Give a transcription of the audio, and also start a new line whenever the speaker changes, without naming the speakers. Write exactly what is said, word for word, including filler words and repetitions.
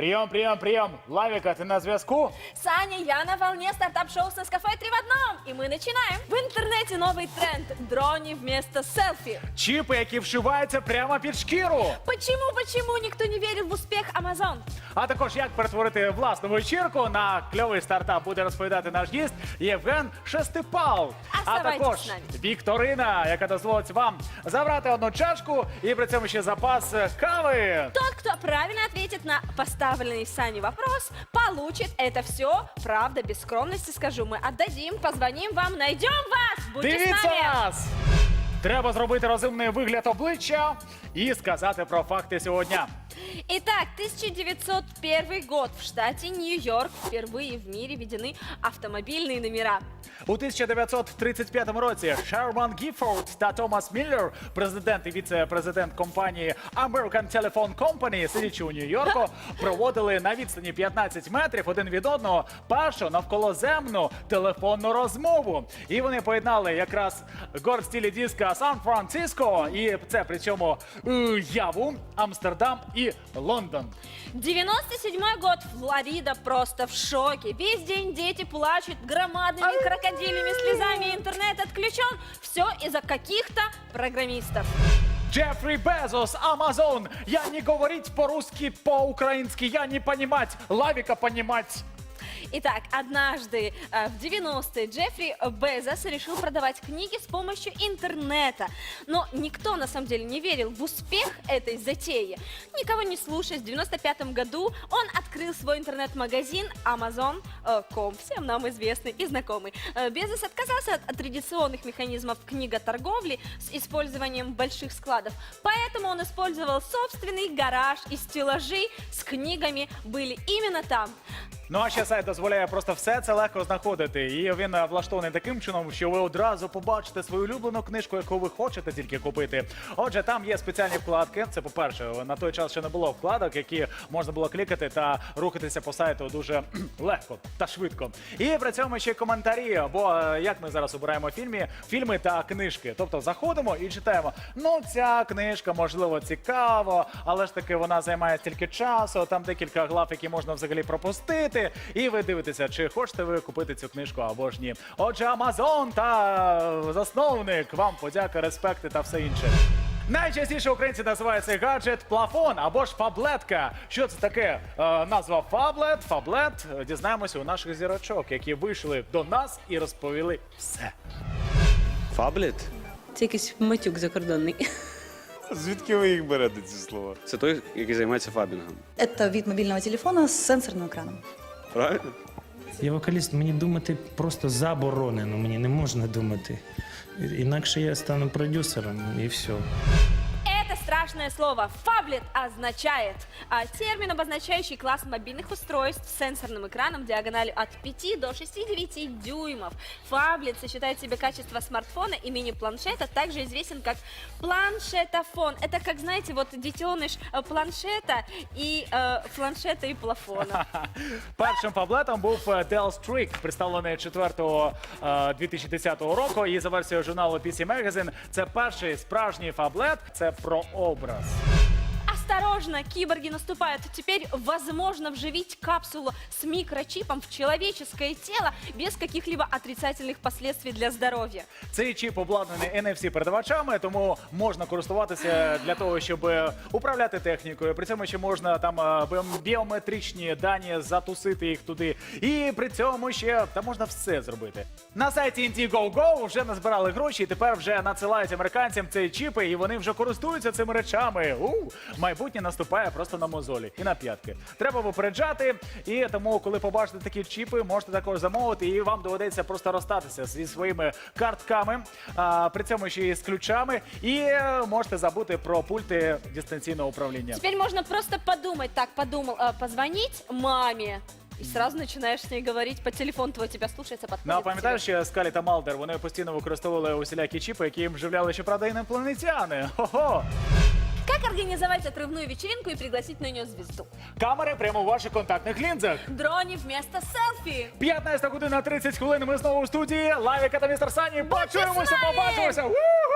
Прием, прием, прием. Лавика, ты на зв'язку?
Саня, я на волне стартап-шоу с Нескафе три в одном. И мы начинаем. В интернете новый тренд. Дрони вместо селфи.
Чіпи, які вшиваються прямо під шкіру.
Почему, почему никто не верит в успех Amazon?
А також, як перетворити власну вечірку на кльовий стартап, буде розповідати наш гість Євген Шестипал. А
Оставайтесь
також
з нами.
вікторина, яка дозволить вам забрати одну чашку і при цьому ще запас кави.
Тот, кто правильно ответит на поставленный Саней вопрос, получит это все. Правда, без скромности скажу, мы отдадим, позвоним вам, найдем вас. Будьте с
Дивіться
нами.
нас! Треба зробити розумний вигляд обличчя і сказати про факти сьогодні.
Итак, тысяча девятьсот первый год. В штате Нью-Йорк впервые в мире введены автомобильные номера.
У тисяча дев'ятсот тридцять п'ятому році Шерман Гіфорд та Томас Міллер, президент і віце-президент компанії American Telephone Company, сидячи у Нью-Йорку, проводили на відстані п'ятнадцять метрів один від одного першу навколоземну телефонну розмову. І вони поєднали якраз город в стилі диска Сан-Франциско, і це при цьому е, Яву, Амстердам і Лондон.
девяносто седьмой год. Флорида просто в шоке. Весь день дети плачут громадными крокодильями слезами. Интернет отключен. Все из-за каких-то программистов.
Джеффри Безос, Amazon. Я не говорить по-русски, по-украински, я не понимать, Лавика понимать.
Итак, однажды э, в девяностые Джеффри Безос решил продавать книги с помощью интернета. Но никто на самом деле не верил в успех этой затеи. Никого не слушая, в девяносто пятом году он открыл свой интернет-магазин Amazon точка ком, всем нам известный и знакомый. Э, Безос отказался от, от традиционных механизмов книготорговли с использованием больших складов. Поэтому он использовал собственный гараж, и стеллажи с книгами были именно там.
Ну а ще сайт дозволяє просто все це легко знаходити. І він е, влаштований таким чином, що ви одразу побачите свою улюблену книжку, яку ви хочете тільки купити. Отже, там є спеціальні вкладки. Це, по-перше, на той час ще не було вкладок, які можна було клікати та рухатися по сайту дуже легко та швидко. І при цьому ще коментарі, бо е, як ми зараз обираємо фільми, фільми та книжки. Тобто заходимо і читаємо, ну ця книжка, можливо, цікаво, але ж таки вона займає стільки часу, там декілька глав, які можна взагалі пропустити. І ви дивитеся, чи хочете ви купити цю книжку або ж ні. Отже, Amazon та засновник, вам подяка, респекти та все інше. Найчастіше українці називають цей гаджет плафон або ж фаблетка. Що це таке? Е, назва фаблет, фаблет. Дізнаємося у наших зірочок, які вийшли до нас і розповіли все.
Фаблет?
Це якийсь матюк закордонний.
Звідки ви їх берете, ці слова? Це той, який займається фабінгом.
Это вид мобильного телефона с сенсорным экраном.
Правильно?
Я вокаліст, мені думати просто заборонено, мені не можна думати. Інакше я стану продюсером і все.
Это страшное слово «фаблет» означает а, термин, обозначающий класс мобильных устройств с сенсорным экраном диагональю от пяти до шестидесяти дюймов. Фаблет сочетает в себе качество смартфона и мини-планшета, также известен как планшетофон. Это, как знаете, вот детеныш э, планшета и э, планшета и плафона.
Першим фаблетом був Dell Streak, представлений четвертого дві тисячі десятого року. І за версією журналу пі сі Magazine, це перший справжній фаблет, це про образ.
Осторожно, киборги наступают. Теперь возможно вживить капсулу с микрочипом в человеческое тело без каких-либо отрицательных последствий для здоровья.
Цей чіп обладнаний ен еф сі-передавачами, тому можна користуватися для того, щоб управляти технікою. При цьому ще можна там е, біометричні дані затусити їх туди. І при цьому ще та можна все зробити. На сайті Indiegogo вже назбирали гроші, і тепер вже надсилають американцям ці чіпи, і вони вже користуються цими речами. У, майбутнє наступає просто на мозолі і на п'ятки. Треба попереджати, і тому, коли побачите такі чіпи, можете також замовити, і вам доведеться просто розстатися зі своїми картками, а, при цьому ще і з ключами, і е, можете забути про пульти дистанційного управління.
Теперь можно просто подумать, так, подумал, э, позвонить маме. И сразу начинаешь с ней говорить, по телефону твой тебя слушается, подходит
Ну, а
к тебе.
пам'ятаєш, що Скалі та Малдер, вони постійно використовували усілякі чіпи, які їм вживляли, щоправда, інопланетяни. Хо-хо!
Как организовать отрывную вечеринку и пригласить на нее звезду?
Камери прямо у ваших контактних лінзах.
Дрони вместо селфи.
п'ятнадцята година тридцять хвилин, ми знову у студії. Лавіка та містер Сані. Почуємося,
з нами!
побачимося! У-ху!